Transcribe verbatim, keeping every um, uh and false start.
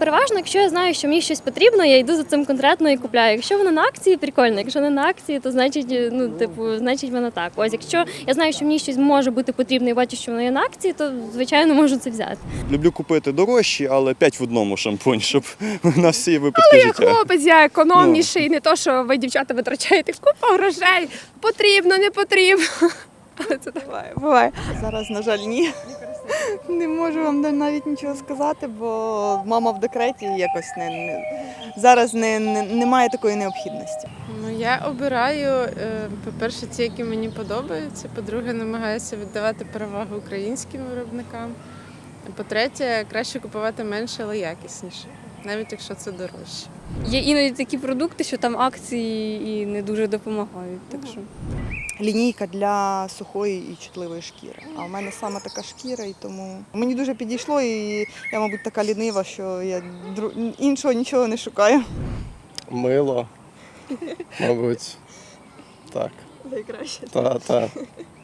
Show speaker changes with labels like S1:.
S1: переважно, якщо я знаю, що мені щось потрібно, я йду за цим конкретно і купляю. Якщо воно на акції, прикольно. Якщо не на акції, то значить, ну, типу, значить воно так. Ось, якщо я знаю, що мені щось може бути потрібно і бачу, що воно є на акції, то, звичайно, можу це взяти.
S2: Люблю купити дорожчі, але п'ять в одному шампунь, щоб на всі випадки
S3: Але я
S2: життя.
S3: хлопець, я економніший, не то, що ви, дівчата, витрачаєте купу грошей. Потрібно, не потрібно. Але це так.
S4: Буває, буває. Зараз, на жаль, ні. Не можу вам навіть нічого сказати, бо мама в декреті і якось не, не зараз не, не, немає такої необхідності.
S5: Ну, я обираю, е, по-перше, ті, які мені подобаються, по-друге, намагаюся віддавати перевагу українським виробникам. По-третє, краще купувати менше, але якісніше, навіть якщо це дорожче.
S6: Є іноді такі продукти, що там акції і не дуже допомагають. Так що.
S4: Лінійка для сухої і чутливої шкіри. А в мене саме така шкіра, і тому мені дуже підійшло, і я, мабуть, така лінива, що я дру- іншого нічого не шукаю.
S7: Мило, мабуть. Так.
S4: Найкраще.
S7: Та, та.